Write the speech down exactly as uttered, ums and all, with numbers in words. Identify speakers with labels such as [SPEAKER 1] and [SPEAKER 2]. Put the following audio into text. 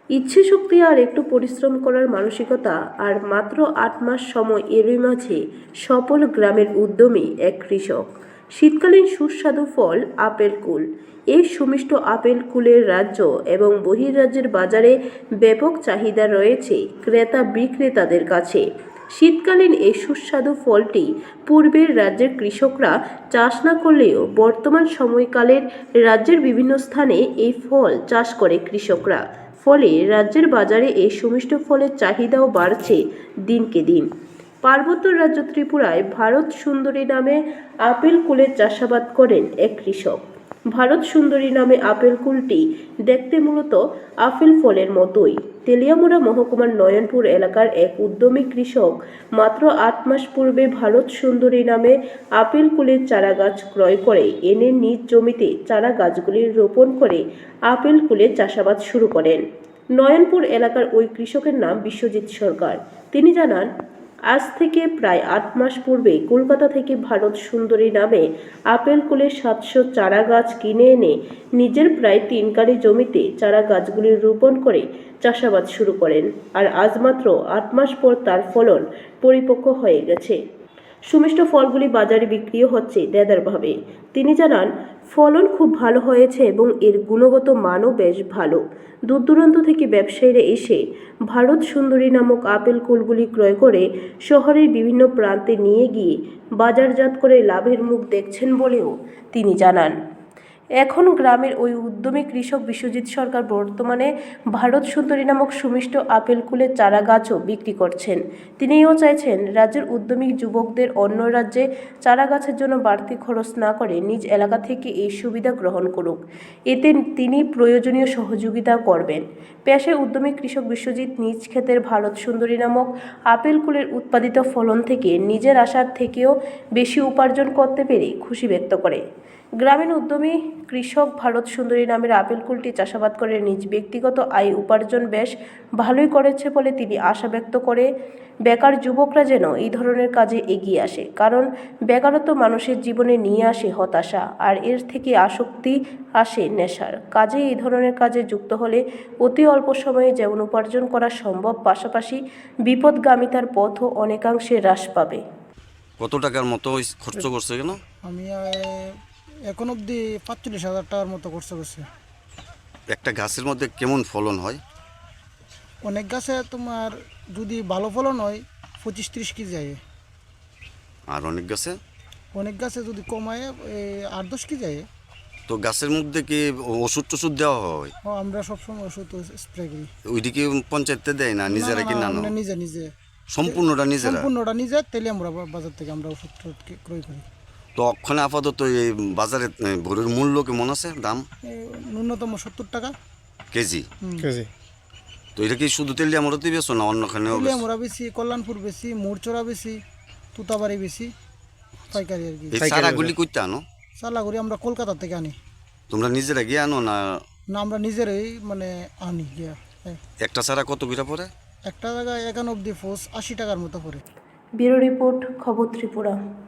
[SPEAKER 1] ইচ্ছে শক্তি আর একটু পরিশ্রম করার মানসিকতা আর মাত্র আট মাস সময় এরই মাঝে সফল গ্রামের উদ্যমী এক কৃষক। শীতকালীন সুস্বাদু ফল আপেল কুল। এই সুমিষ্ট আপেল কুলের রাজ্য এবং বহির্রাজ্যের বাজারে ব্যাপক চাহিদা রয়েছে ক্রেতা বিক্রেতাদের কাছে। শীতকালীন এই সুস্বাদু ফলটি পূর্বের রাজ্যের কৃষকরা চাষ না করলেও বর্তমান সময়কালের রাজ্যের বিভিন্ন স্থানে এই ফল চাষ করে কৃষকরা। ফলে রাজ্যের বাজারে এই সুমিষ্ট ফলের চাহিদাও বাড়ছে দিনকে দিন। পার্বত্য রাজ্য ত্রিপুরায় ভারত সুন্দরী নামে আপেল কুলের চাষাবাদ করেন এক কৃষক। ভারত সুন্দরী নামে আপেল কুলটি দেখতে মূলত আপেল ফলের মতোই। তেলিয়ামুড়া মহকুমার নয়নপুর এলাকার এক উদ্যমী কৃষক মাত্র আট মাস পূর্বে ভারত সুন্দরী নামে আপেল কুলের চারা গাছ ক্রয় করে এনে নিজ জমিতে চারা গাছগুলি রোপণ করে আপেল কুলের চাষাবাদ শুরু করেন। নয়নপুর এলাকার ওই কৃষকের নাম বিশ্বজিৎ সরকার। তিনি জানান, আজ থেকে প্রায় আট মাস পূর্বে কলকাতা থেকে ভারত সুন্দরী নামে আপেল কুলের সাতশো চারা গাছ কিনে এনে নিজের প্রায় তিন কারি জমিতে চারা গাছগুলি রোপণ করে চাষাবাদ শুরু করেন। আর আজ মাত্র আট মাস পর তার ফলন পরিপক্ক হয়ে গেছে। সুমিষ্ট ফলগুলি বাজারে বিক্রিও হচ্ছে দেদারভাবে। তিনি জানান, ফলন খুব ভালো হয়েছে এবং এর গুণগত মানও বেশ ভালো। দূর দূরান্ত থেকে ব্যবসায়ীরা এসে ভারত সুন্দরী নামক আপেল কুলগুলি ক্রয় করে শহরের বিভিন্ন প্রান্তে নিয়ে গিয়ে বাজারজাত করে লাভের মুখ দেখছেন বলেও তিনি জানান। এখন গ্রামের ওই উদ্যমী কৃষক বিশ্বজিৎ সরকার বর্তমানে ভারত সুন্দরী নামক সুমিষ্ট আপেল কুলের চারা গাছও বিক্রি করছেন। তিনিও চাইছেন রাজ্যের উদ্যমী যুবকদের অন্য রাজ্যে চারা গাছের জন্য বাড়তি খরচ না করে নিজ এলাকা থেকে এই সুবিধা গ্রহণ করুক। এতে তিনি প্রয়োজনীয় সহযোগিতা করবেন। পেশায় উদ্যমী কৃষক বিশ্বজিৎ নিজ ক্ষেতের ভারত সুন্দরী নামক আপেল কুলের উৎপাদিত ফলন থেকে নিজের আশার থেকেও বেশি উপার্জন করতে পেরে খুশি ব্যক্ত করে। গ্রামীণ উদ্যমী কৃষক ভারত সুন্দরী নামের আপেল কুলটি চাষাবাদ করে নিজ ব্যক্তিগত আয় উপার্জন বেশ ভালোই করেছে বলে তিনি আশা ব্যক্ত করে বেকার যুবকরা যেন এই ধরনের কাজে এগিয়ে আসে, কারণ বেকারত্ব মানুষের জীবনে নিয়ে আসে হতাশা আর এর থেকে আসক্তি আসে নেশার। কাজে এই ধরনের কাজে যুক্ত হলে অতি অল্প সময়ে যেমন উপার্জন করা সম্ভব, পাশাপাশি বিপদগামিতার পথও অনেকাংশে হ্রাস পাবে।
[SPEAKER 2] কত টাকার মতো খরচ করছে কেন?
[SPEAKER 3] আমি এখন অবধি পাঁচচল্লিশ হাজার টাকার মতো খরচ করছে।
[SPEAKER 2] একটা গাছের মধ্যে কেমন ফলন হয়?
[SPEAKER 3] অনেক গাছে তোমার যদি ভালো ফলন হয় পঁচিশ ত্রিশ কেজি যায়।
[SPEAKER 2] আর অনেক গাছে
[SPEAKER 3] অনেক গাছে যদি কমায় আট দশ কেজি যায়।
[SPEAKER 2] তো গাছের মধ্যে কি ওষুধ টষুধ দেওয়া হয়?
[SPEAKER 3] ও আমরা সবসময় ওষুধ স্প্রে করি।
[SPEAKER 2] ওইদিকে পঞ্চায়েতে দেয় না, নিজেরা কি না?
[SPEAKER 3] নিজে নিজে
[SPEAKER 2] সম্পূর্ণটা নিজেরা?
[SPEAKER 3] সম্পূর্ণটা নিজে। তেলে আমরা বাজার থেকে আমরা ওষুধ ক্রয় করি।
[SPEAKER 2] তো ওখানে আপাতত এই বাজারে ভোরের মূল্য কেমন আছে? দাম
[SPEAKER 3] ন্যূনতম সত্তর টাকা
[SPEAKER 2] কেজি।
[SPEAKER 3] কেজি।
[SPEAKER 2] তো এটা কি শুধু তেলিয়ামুড়াতেই বেশি না অন্যখানেও?
[SPEAKER 3] তেলিয়ামুড়া বেশি, কল্যাণপুর বেশি, মোরচরা বেশি, তুতাবাড়ি বেশি, পাইকারি আর কি।
[SPEAKER 2] এই চারাগুলি কইতে আনো?
[SPEAKER 3] চারাগুলি আমরা কলকাতা থেকে আনি।
[SPEAKER 2] তোমরা নিজেরা গিয়ে আনো না?
[SPEAKER 3] না, আমরা নিজেরাই মানে আনি গিয়া।
[SPEAKER 2] একটা চারা কত করে পড়ে?
[SPEAKER 3] একটা জায়গায় একানব্বই ফোস আশি টাকার মতো পড়ে।
[SPEAKER 1] ব্যুরো রিপোর্ট, খবর ত্রিপুরা।